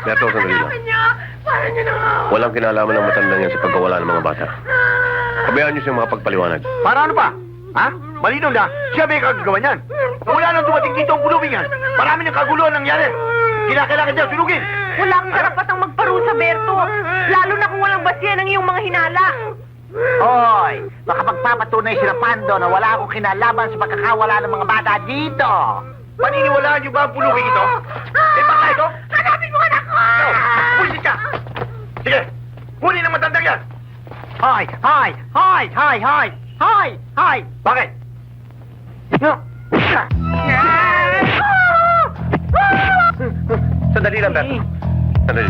Beto, sandali lang. Parang niyo na nga. Walang kinalaman ng matandang yan sa pagkawala ng mga bata. Pabayaan niyo siyang makapagpaliwanag. Para ano pa? Ha? Malinaw na, siya may kagagawa niyan. Wala nang dumating dito ang pulubing yan. Marami ng kaguluhan nangyari. Kailangan niya sunugin. Wala kang karapatang magparusa, Berto. Lalo na kung walang basihan ng iyong mga hinala. Hoy, baka magpapatunay sila Pando na wala akong kinalaban sa pagkakawala ng mga bata dito. Paniniwalaan niyo ba ang pulubing ito? Eh, baka ito? Hanapin mo anak ko! Pulisit ka! Sige, huli ng matandang yan! Hoy! Hoy! Hoy! Hoy! Hoy! Hoy! Hoy! Bakit? Sandali lang, Beto. Sandali.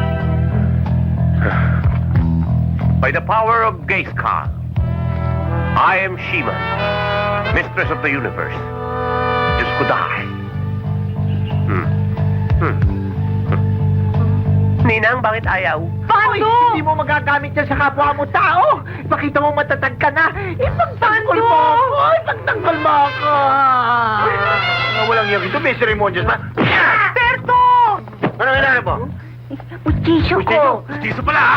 By the power of Gaiskar, I am Shima, mistress of the universe. Diyos ko dahil. Ninang, bakit ayaw? Pando! Hindi mo magagamit yan sa kapwa mo tao! Pakita mo matatag ka na! Ipagtanggol mo ako! Ipagtanggol mo ako! Walang yung ito, may seremonyas ba? Berto! Ano kailangan mo? Ustisyo ko! Justiso pala, ha?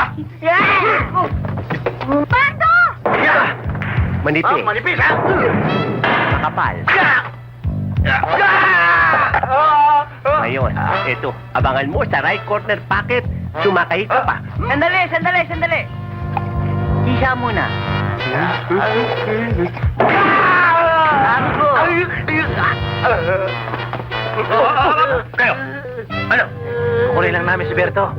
Pando! Manipis. Manipis, ha? Kapal. Ngayon, ito, abangan mo sa right corner pocket. Sumakay ka pa. Sandali, sandali, sandali. Isa muna. Kayo, ano? Kukunin lang namin si Berto.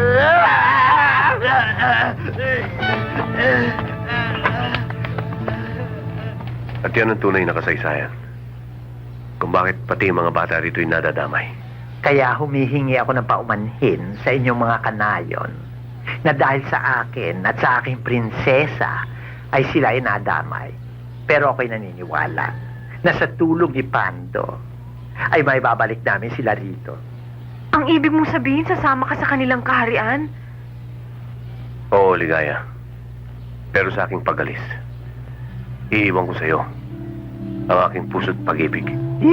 At yan ang tunay na kasaysayan. Kung bakit pati yung mga bata rito'y nadadamay. Kaya humihingi ako ng paumanhin sa inyong mga kanayon na dahil sa akin at sa aking prinsesa ay sila ay nadamay. Pero ako'y naniniwala na sa tulong ni Pando ay may babalik namin sila rito. Ang ibig mong sabihin, sasama ka sa kanilang kaharian? Oo, Ligaya. Pero sa aking pagalis, iiwan ko sa'yo ang aking puso't pag-ibig.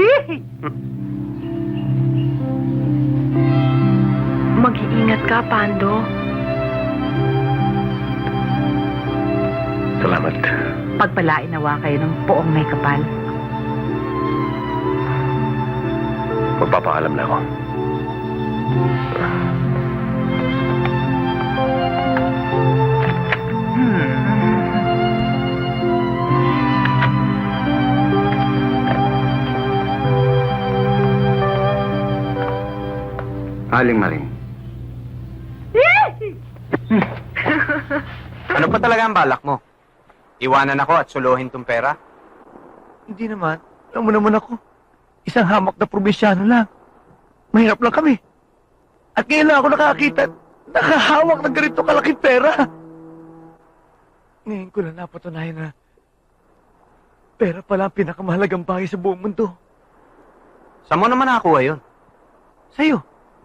Mag-iingat ka, Pando. Salamat. Pagpalain nawa kayo ng poong may kapal. Magpapaalam na ako. Aling Maring. Ano pa talaga ang balak mo? Iwanan ako at suluhin tong pera? Hindi naman. Alam mo naman ako. Isang hamak na probinsyano lang. Mahirap lang kami. At ngayon lang ako nakakita at nakahawak ng ganito kalaking pera. Ngayon ko lang napatunayan na pera pala ang pinakamahalagang bagay sa buong mundo. Saan mo naman nakakuha yun? Sa'yo.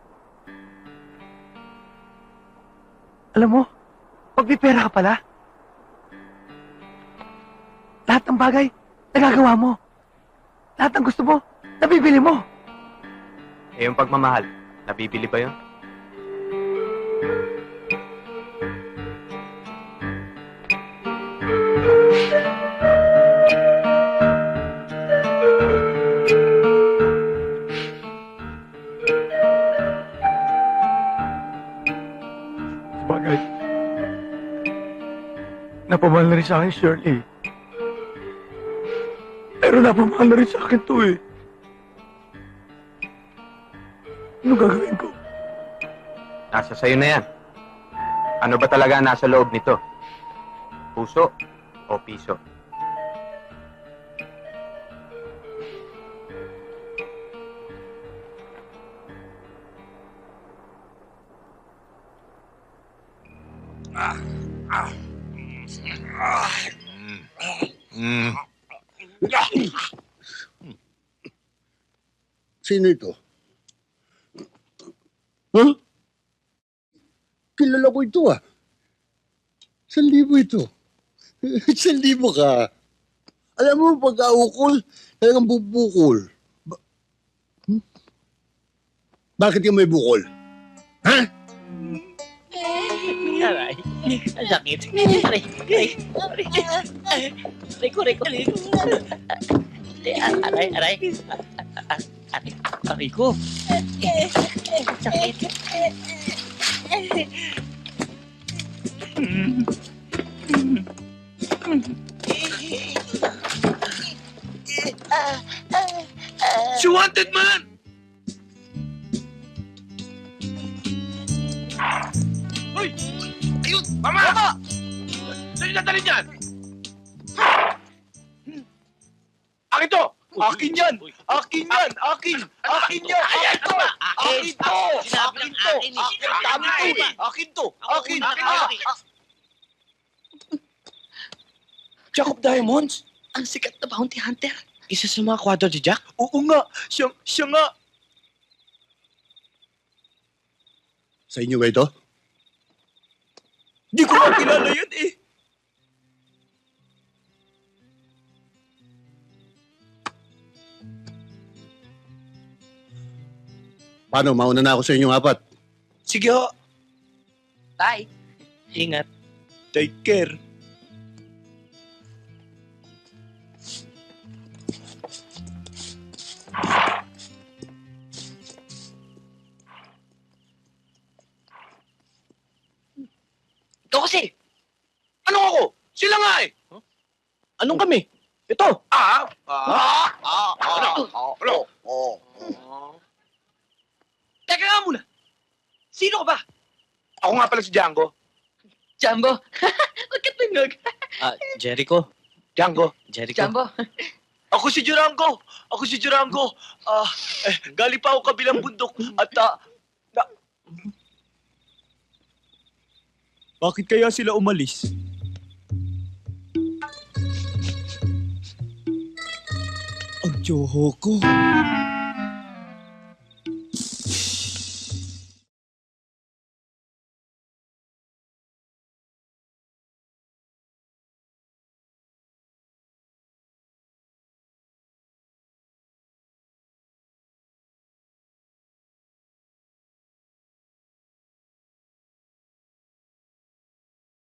Alam mo, pag may pera ka pala, lahat ng bagay, nagagawa mo. Lahat ng gusto mo, nabibili mo. Eh, yung pagmamahal, nabibili ba yun? Bagay. Napamahal na rin sa akin, Shirley. Pero napamahal na rin sa akin to eh. Ano gagawin ko? Nasa sayo na yan. Ano ba talaga ang nasa loob nito? Puso o piso? Sino ito? Huh? Kilala ko ito ah. 1,000 ito. 1,000 ka. Alam mo, pag-aukol, talagang bubukol. Bakit yung may bukol? Ha? Aray, ang sakit. Aray, aray, aray. Aray ko, aray ko. Aray, aray. Aray ko. Ang sakit. Si Wanted Man! Hoy! Ayun! Mama! Mama! Saan yung nadalhin yan? Akin to! Akin yan! Akin yan! Akin! Akin yan! Akin to! Akin to! Akin to! Akin to! Akin! Akin! Jacob Diamonds? Ang sikat na bounty hunter. Isa sa mga kwadro ni Jack? Oo nga! Siya nga! Sa inyo ba ito? Di ko makilala yan eh! Paano? Mauna na ako sa inyong apat. Sige ho! Tay. Ingat. Take care! Ikaw kasi. Anong ako? Sila nga eh! Anong kami? Ito. Ano? Teka nga muna. Sino ka ba? Ako nga pala si Django. Jumbo. Huwag ka tunog. Jericho. Django. Jericho. Jumbo. Ako si Durango. Ako si Durango. Galing pa ako kabilang bundok at bakit kaya sila umalis? Ang tsoho ko.